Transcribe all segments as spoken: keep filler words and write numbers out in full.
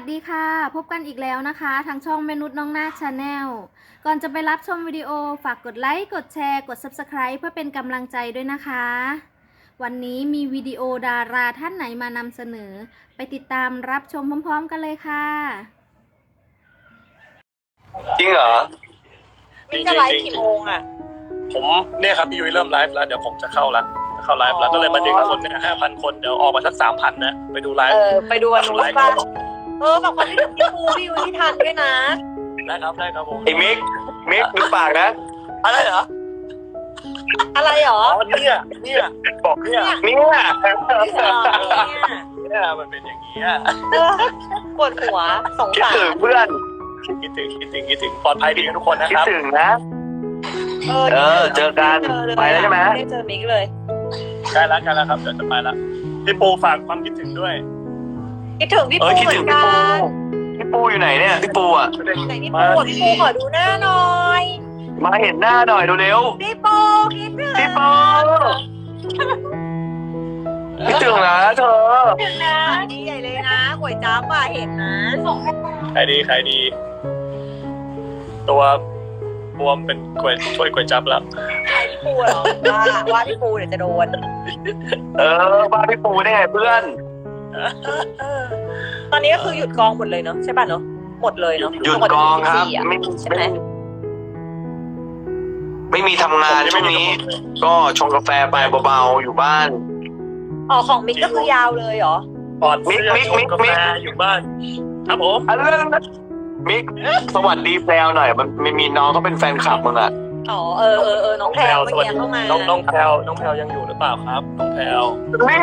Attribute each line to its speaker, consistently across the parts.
Speaker 1: ดีค่ะพบกันอีกแล้วนะคะทางช่องเมนุษน้องนาชาแนลก่อนจะไปรับชมวิดีโอฝากกดไลค์กดแชร์กด ซับสไครบ์ เพื่อเป็นกำลังใจด้วยนะคะวันนี้มีวิดีโอดาราท่านไหนมานำเสนอไปติดตามรับชมพร้อมๆกันเลยค่ะ
Speaker 2: จริงเหรอ
Speaker 3: มิ้นจะไลฟ์กี่โมงอ่ะ
Speaker 4: ผมเนี่ยครับพี่ยุ้ยเริ่มไลฟ์แล้วเดี๋ยวผมจะเข้าละเข้าไลฟ์แล้วก็เลยมาดึงคนเนี่ยห้าพันคนเดี๋ยวออกมาสักสามพันนะไปดูไล
Speaker 3: เอ
Speaker 4: ฟ์
Speaker 3: อไปดูวันนู้นป่ะเออฝากคนที่ถึงพี่ปูพี่ยูที่ทันด้วยนะ
Speaker 4: ได้ครับได้ครับผม
Speaker 2: ไอ้มิกมิกดูปากนะ
Speaker 4: อะไรเหรอ
Speaker 3: อะไรหรอ
Speaker 4: อ๋อเนี่ยเนี่ย
Speaker 2: บอก
Speaker 4: เนี่ย
Speaker 2: เนี่ย
Speaker 4: เนี่ยมันเป็นอย่างนี้
Speaker 3: เออปวดหัวสง
Speaker 2: คิด
Speaker 3: สาร
Speaker 2: ถึงเพื่อน
Speaker 4: คิดถึงคิดถึงคิดถึงปลอดภัยดีกันทุกคนนะ
Speaker 2: คิ
Speaker 4: ค
Speaker 2: ด
Speaker 4: รับ
Speaker 2: ถึงนะ
Speaker 3: เออ
Speaker 2: เออเจอกันไปแล้วใช่ไหม
Speaker 3: ไม่ได้เจอมิกเลย
Speaker 4: ใกล้แล้วใกล้แล้วครับเดี๋ยวจะไปละพี่ปูฝากความคิดถึงด้วย
Speaker 3: คิดถึงพี่
Speaker 2: เอ
Speaker 3: ปู
Speaker 2: อคิด
Speaker 3: เหมื
Speaker 2: ถึ
Speaker 3: อง น
Speaker 2: พี่
Speaker 3: กั
Speaker 2: ปู
Speaker 3: น
Speaker 2: พี่ปูอยู่ไหนเนี่ยพี่ปูอ่ะ
Speaker 3: ไหนพี่ปูอ่ะพี่ปูขอดูหน้าหน่อย
Speaker 2: มาเห็นหน้าหน่อยเร็ว
Speaker 3: พี่ปูคิดถึง
Speaker 2: ๆพี่ปูคิดถึงนะเธอ
Speaker 3: คิดถึงนะดีใหญ่เลยนะก๋วยจั๊บอ่ะเห็นนะ
Speaker 4: ใครดีใครดี ตัวบวมเป็นกล้วยช่วยกล้วยจับแล้ว
Speaker 3: ใครพี่ปูเหรอว่าว่าพี่ปูเดี๋ยวจะโดน
Speaker 2: เออบ้านพี่ปูได้ไงเพื่อน
Speaker 3: เออตอนนี้ก็คือหยุดกองหมดเลยเนาะใช่ป่ะเนาะหมดเลยเนาะ
Speaker 2: หยุดกองครับ
Speaker 3: หมดเลย
Speaker 2: ไม่
Speaker 3: ใช่ไหม
Speaker 2: ไม่มีทำงานช่วงนี้ ก็ชงกาแฟไปเบาๆอยู่บ้าน
Speaker 3: อ๋อของมิกก็คือยาวเลยเหรอ
Speaker 4: ปอดเสื้อ
Speaker 2: มิกมิก
Speaker 4: ชงกา
Speaker 2: มิ
Speaker 4: แฟ
Speaker 2: ก
Speaker 4: อยู่บ้านครับผม
Speaker 2: อันนั้นมิกสวัสดีแพลวหน่อยมันไม่มีน้องเขาเป็นแฟนคลับมึงอ่ะ
Speaker 3: อ๋อเออเออเออน้องแพรว
Speaker 4: ส
Speaker 3: เมื่อ
Speaker 4: วัส
Speaker 3: กี้
Speaker 4: ดี
Speaker 3: เข้ามา
Speaker 4: น้องน้องแพลวน้องแพลวยังอยู่หรือเปล่าครับน้องแพลว
Speaker 2: นี่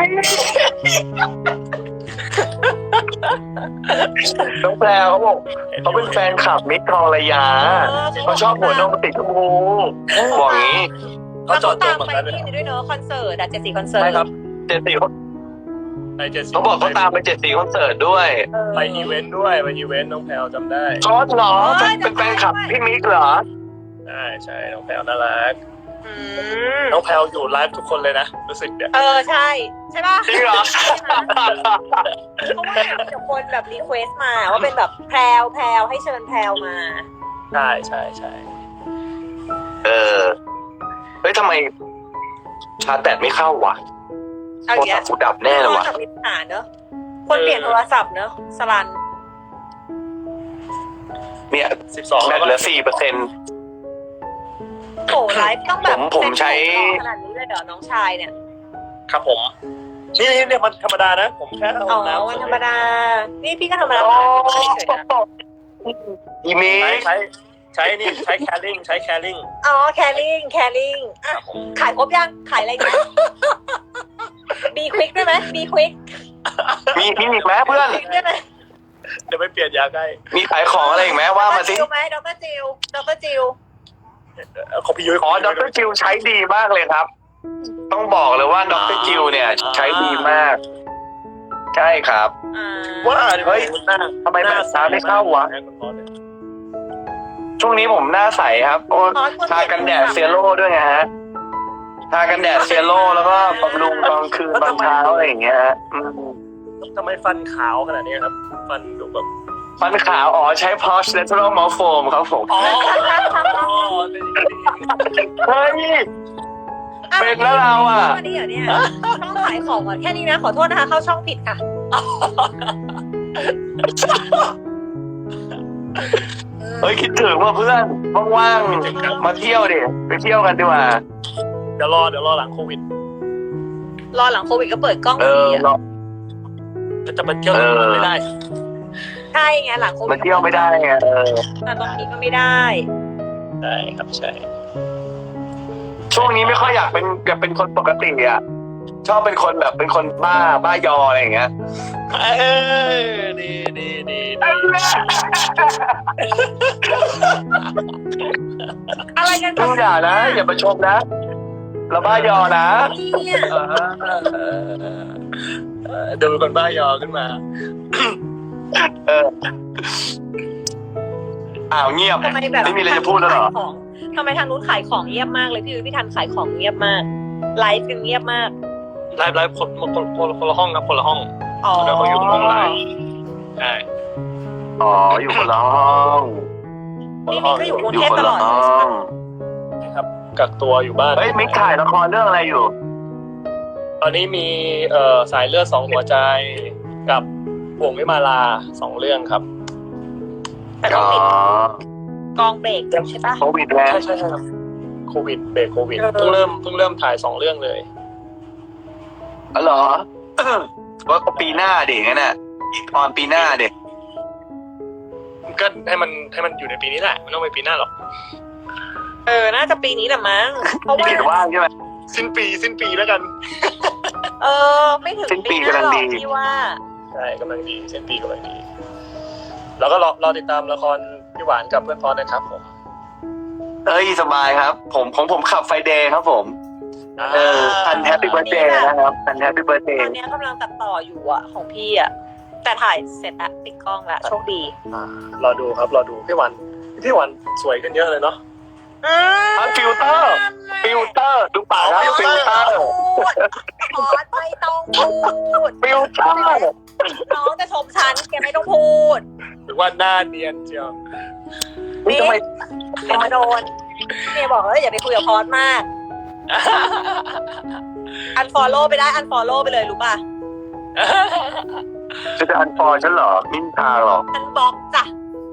Speaker 2: น้องแพลวเขาบอกเขาเป็นแฟนคลับมิกทองระยาเขาชอบหัวนมติดชมพูบอกอย่างนี้
Speaker 4: เขา
Speaker 3: แล้ว
Speaker 4: จอ
Speaker 3: เขา
Speaker 4: ดตัว
Speaker 3: ตาม
Speaker 4: เหมือน
Speaker 3: ไป
Speaker 4: กันเลย
Speaker 3: นี่ด้วยเนาะคอนเสิร์ตอะเจ็ดสี่คอนเสิร์ต
Speaker 4: ใช่ครับ
Speaker 2: เจดสี่เขา
Speaker 4: ไปเจ็ดสิบ
Speaker 2: เขาบอกเขาตามไปเจ็ดสี่คอนเสิร์ตด้วย
Speaker 3: เออ
Speaker 4: ไปอีเวนต์ด้วยไปอีเวนต์น้องแพลวจำได้
Speaker 2: ชอบเหรอเป็นแฟนคลับพี่มิกเหรอ
Speaker 4: ใช่ใช่น้องแพลวน่ารัก
Speaker 3: อืม
Speaker 4: น้องแพลวอยู่ไลฟ์ทุกคนเลยนะรู้สึกเนี่ย
Speaker 3: เออใช่ใช่ป่ะ
Speaker 2: จริงเหรอ
Speaker 3: เพราะว่าเดี๋ยวคนแบบรีเควสมาว่าเป็นแบบแพรวแพรวให้เชิญแพรวมา
Speaker 4: ใช่ใช่ใช่
Speaker 2: เออเฮ้ยทำไมชาร์จแบตไม่เข้าวะ
Speaker 3: เอา
Speaker 2: โทร
Speaker 3: อย่าง
Speaker 2: ศัพท์กูดับแน่เลยวะ
Speaker 3: โทรศัพท์มีปัญหาเนอะคนเปลี่ยนโทรศัพท์เนอะสลัน
Speaker 2: เนี่ย
Speaker 4: สิบสอง
Speaker 2: แบตเหลือสี่เปอร์เซ็นต์
Speaker 3: โอ้ไลฟ์ต้องแบบ
Speaker 2: ผมผมใช้
Speaker 3: ขนาดนี้เลยเหรอน้องชายเนี่ย
Speaker 4: ครับผมนี่นี่เนี่ยมันธรรมดานะผมแค่เอา
Speaker 3: อ๋อ
Speaker 4: น้ำ
Speaker 3: วันธรรมดา นี่พี่ก็ธรรมดา
Speaker 2: โอ้
Speaker 3: เฉยๆนะ
Speaker 2: อีมิ
Speaker 4: ใช้
Speaker 2: ก
Speaker 4: ใช้ใช้นี่ใช้แคริ่งใช้แคริ่ง
Speaker 3: อ๋อแคลริงแคลริงอ่ะขายครบยังขายอะไรกันบีควิกได้ไหมบีควิก
Speaker 2: มีมีอีกไหมเพื่อน
Speaker 3: ได้ไหม
Speaker 4: เดี๋ยวไปเปลี่ยนยาใกล้
Speaker 2: มีขายของอะไรอีกไหมว่ามาสิ
Speaker 3: จิวไหมดรจิวดรจิว
Speaker 4: ของพี่ยุ้ย
Speaker 2: อ๋อดรจิวใช้ดีมากเลยครับ ต้องบอกเลยว่าดรจิวเนี่ย ใช้ดีมาก ใช่ครับ
Speaker 3: อ่า
Speaker 4: ว่า
Speaker 2: เฮ้ยทำไมแบตชาร์จไม่เข้าวะ ช่วงนี้ผมหน้าใสครับโอ้ทากันแดดเซโร่ด้วยไงฮะทากันแดดเซโร่แล้วก็บำรุงตอนคืนตอนเช้าอะไรอย่างเงี้ยฮะอืม
Speaker 4: ทำไมฟันขาวขนาดนี้ครับ ฟันดูแบบ
Speaker 2: ฟันขาวอ๋อใช้ Posh Natural Mouth Foam ครับผม
Speaker 4: อ๋อ
Speaker 2: เฮ้ย เป็นแล้วเราอ่ะ
Speaker 3: มาดีเหรอเนี่ยช่องขายของก่อนแค่นี้นะขอโทษนะคะเข้าช่องผิดค่ะ
Speaker 2: เฮ้ยคิดถึงว่าเพื่อนว่างๆมาเที่ยวดิไปเที่ยวกันดีกว่า
Speaker 4: เดี๋ยวรอเดี๋ยวรอหลังโควิด
Speaker 3: รอหลังโควิดก็เปิดกล้อง
Speaker 2: เอ
Speaker 3: ดี
Speaker 2: อ
Speaker 3: อ่ะ
Speaker 2: เรา
Speaker 4: จะไปเที่ยวไม่ได้
Speaker 3: ใช่ไงหลังโควิด
Speaker 2: มาเที่ยวไม่ได้ไงเออ
Speaker 3: แต่ตอนนี้ก็ไม่ได้
Speaker 4: ใช่ครับใช่
Speaker 2: ช่วงนี้ไม่ค่อยอยากเป็นอยากเป็นคนปกติอ่ะชอบเป็นคนแบบเป็นคนบ้าบ้ายออะไรอย่างเงี้ย
Speaker 4: เออดีดีดี
Speaker 3: อะไรกัน
Speaker 2: พึ่งอย่านะอย่าประชมนะเราบ้ายอนะ
Speaker 3: เนี่ย
Speaker 4: ดูเป็นคนบ้ายอขึ้นมา
Speaker 2: เอออ้าวเงียบ
Speaker 3: ทำไมแบบ
Speaker 2: ไม่มีอะไรจะพูดแล้วเหรอ
Speaker 3: ขายของทำไมทางนู้นขายของเงียบมากเลยพี่ยุ้ยพี่ทันขายของเงียบมากไลฟ์กันเงียบมาก
Speaker 4: ไลฟ์ไลฟ์คนคนคนคนละห้องครับคนละห้อง
Speaker 3: อ๋อ
Speaker 4: แล้วเขาอยู่ตรงห้องไลฟ์ใช่
Speaker 2: อ๋ออยู่คนละห้อง
Speaker 3: นี่มิกก็อยู่กรุง
Speaker 2: อยู่
Speaker 3: เทพ
Speaker 2: คน
Speaker 3: ตล
Speaker 2: ละ
Speaker 3: อด
Speaker 2: ห้
Speaker 3: เลย
Speaker 2: อ
Speaker 3: ใช่ปะ
Speaker 2: ง
Speaker 4: นะครับกักตัวอยู่บ้าน
Speaker 2: เฮ้ยมิกถ่ายละครเรื่องอะไรอยู่
Speaker 4: ตอนนี้มีเอ่อสายเลือดสองหัวใจกับบ่วงวิมาลาสองเรื่องครับ
Speaker 3: แต่ก็
Speaker 2: อ๋อ
Speaker 3: ปิดกองเบรกใช่ปะ
Speaker 2: โควิดแล้ว
Speaker 4: ใช่ใช่ใช่ครับโควิดเบรกโควิดเพิ่งเริ่มเพิ่งเริ่มถ่ายสองเรื่องเลย
Speaker 2: อ๋อเหรอ ว่าปีหน้าเด็กงั้นน่ะอีกตอนปีหน้าเด็ก
Speaker 4: ก็ให้มันให้มันอยู่ในปีนี้แหละไม่ต้องไปปีหน้าหรอก
Speaker 3: เออน่าจะปีนี้แหละมั้งเพราะว่า
Speaker 2: เด็กว่างใช่ไหม
Speaker 4: สิ้นปีสิ้นปีแล้วกัน
Speaker 3: เออไม่ถึง
Speaker 2: สิ้นปี
Speaker 3: ปีหน้าหรอก
Speaker 2: กำลังดี
Speaker 3: พี่ว่า
Speaker 4: ใช่กำลังดีสิ้นปีกำลังดี แล้วก็รอรอติดตามละครพี่หวานกับเพื่อนพอดนะครับผม
Speaker 2: เอ้ยสบายครับ ผมของผมขับไฟเดย์ครับผม เออพันแฮปปี้เบิร์ดเดย์นะครับพันแฮปปี้เบิร์ดเด
Speaker 3: ต
Speaker 2: ย์
Speaker 3: อนนี้กำลังตัดต่ออยู่อะของพี่อะแต่ถ่ายเสร็จละปิดกล้องละโชคดี
Speaker 4: รอดูครับรอดูพี่หวานพี่หวานสวยขึ้นเยอะเลยเนาะ
Speaker 3: อืม
Speaker 2: อ่ะฟิลเตอร์ฟิลเตอร์ดูปากครับฟิลเตอร์
Speaker 3: พอดไม่ต้องพูด
Speaker 2: ฟิลเตอร์
Speaker 3: น้องจะชมฉันแกไม่ต้องพูด
Speaker 4: หรือว่าหน้าเนียนเชียว
Speaker 2: นี่ทำไม
Speaker 3: อย่ามาโดนเมย์บอกแล้วอย่าไปคุยกับพอดมาก อันฟอลโล่ไปได้อันฟอลโล่ไปเลยรู้ป่ะ
Speaker 2: จะจะอันฟอร์ฉันเหรอมินทาหรอ
Speaker 3: อันบล็อกจ้ะ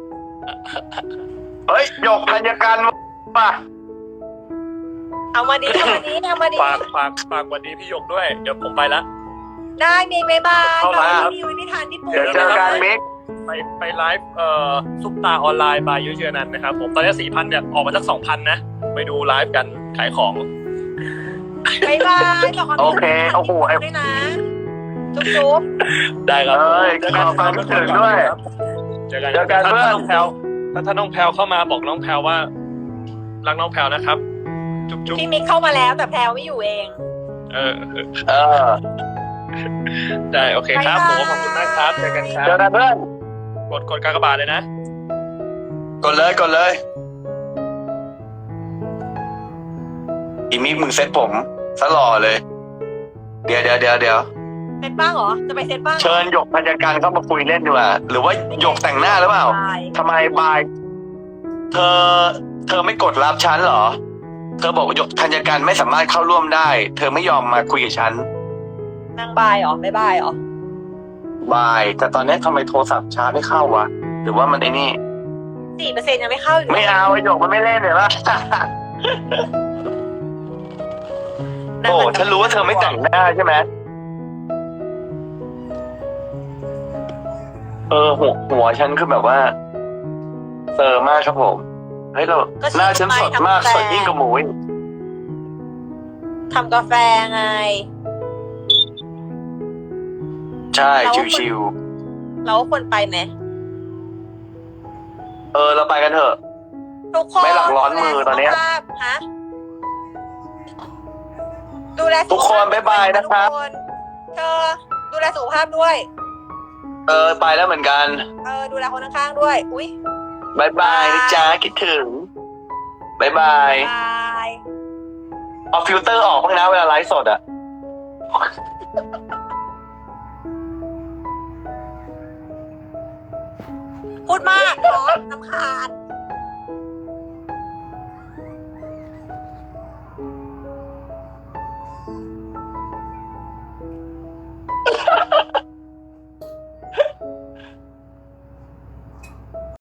Speaker 2: เฮ้ยหยกธัญการป่ะ
Speaker 3: เอามาดีเอามาดีเอามาดี
Speaker 4: ฝากฝากฝากวันนี้พี่หยกด้วยเดี๋ยวผมไปละ
Speaker 3: ได้เมย์บ๊ายบาย
Speaker 4: เข้าร้านครับ
Speaker 3: พี่วินิทานญี่ปุ่น
Speaker 2: เดี๋ยวเจอกันมิก
Speaker 4: ไปไปไลฟ์เอ่อซุปตาออนไลน์บายยุ้ยเจอนันนะครับผมตอนนี้สี่พันเนี่ยออกมาสักสองพันนะไปดูไลฟ์กันขายของ
Speaker 3: บ๊ายบายขอบคุณ
Speaker 2: โอเคโอ้โหไอ้
Speaker 3: ด้วยนะจุ๊บจุ๊บ
Speaker 4: ได้ครับ
Speaker 2: เอ้ย
Speaker 4: เจอกัน
Speaker 2: ขอความคิดถึงด้วย
Speaker 4: เจอกัน
Speaker 2: เจอกัน
Speaker 4: ถ้า
Speaker 2: เพื่อน
Speaker 4: น้องแพลวถ้าถ้าน้องแพลวเข้ามาบอกน้องแพลวว่ารักน้องแพลวนะครับ จุ๊บจุ๊บ
Speaker 3: พี่มิกเข้ามาแล้วแต่แพลวไม่อยู่เอง
Speaker 4: เออเออ
Speaker 2: เออ
Speaker 4: ได้โอเคครับผ
Speaker 3: บ๊าย
Speaker 4: ม
Speaker 3: บาย
Speaker 4: ขอบคุณมากครับเจอกันครั
Speaker 2: เจอบ กันเพื่อน
Speaker 4: กดกดกากบาทเลยนะ
Speaker 2: กดเลยกดเลยอีมิกมึงเซ็ตผมซะหล่อเลย เดี๋ยวเดี๋ยวเดี๋ยวเดี๋ยว
Speaker 3: เซตบ้างเหรอจะไปเซตบ้างหรอ
Speaker 2: เชิญหยกพันยการเข้ามาคุยเล่นดีกว่าหรือว่าหยกแต่งหน้าหรือเปล่า
Speaker 3: ใช่
Speaker 2: ทำไมบาย เธอ เธอไม่กดรับฉันเหรอ เธอบอกว่าหยกธัญการไม่สามารถเข้าร่วมได้ เธอไม่ยอมมาคุยกับฉัน
Speaker 3: นางบายเหรอบ๊ายบายเหรอบ
Speaker 2: าย แต่ตอนนี้ทำไมโทรศัพท์ชาร์จไม่เข้าวะ หรือว่ามันไอ้นี่
Speaker 3: สี่เปอร์เซ็นต์ยังไม่เข้าอยู่
Speaker 2: ไม่เอาไอ้หยกมันไม่เล่นเลยปะ
Speaker 3: นาง
Speaker 2: โอ้
Speaker 3: มัน
Speaker 2: ฉันรู้ว่าเธอไม่แต่งหน้าใช่ไหมเออหัวหัวฉันคือแบบว่าเซอร์มากครับผม เฮ้ยเราหน้าฉันสดมากสดยิ่งกว่าหมูอีก
Speaker 3: ทำกาแฟไง
Speaker 2: ใช่ชิว
Speaker 3: เราควรไปไหม
Speaker 2: ๆเออเราไปกันเถอะ
Speaker 3: ทุกคน
Speaker 2: ไม่หลักร้อนมือตอนเนี้ย
Speaker 3: สุขภาพฮะดูแลสุขภพ
Speaker 2: ทุกคนบ๊ายบายนะครับ
Speaker 3: ทุกนเธอดูแลสุขภาพด้วย
Speaker 2: เออไปแล้วเหมือนกัน
Speaker 3: เออดูแลคนข้างๆด้วย อุ้ย
Speaker 2: บายบายนะจ๊ะคิดถึงบายบาย
Speaker 3: บาย
Speaker 2: เอาฟิลเตอร์ออกบ้างนะเวลาไลฟ์สดอะ
Speaker 3: พูดมากร้อนน้ำขาด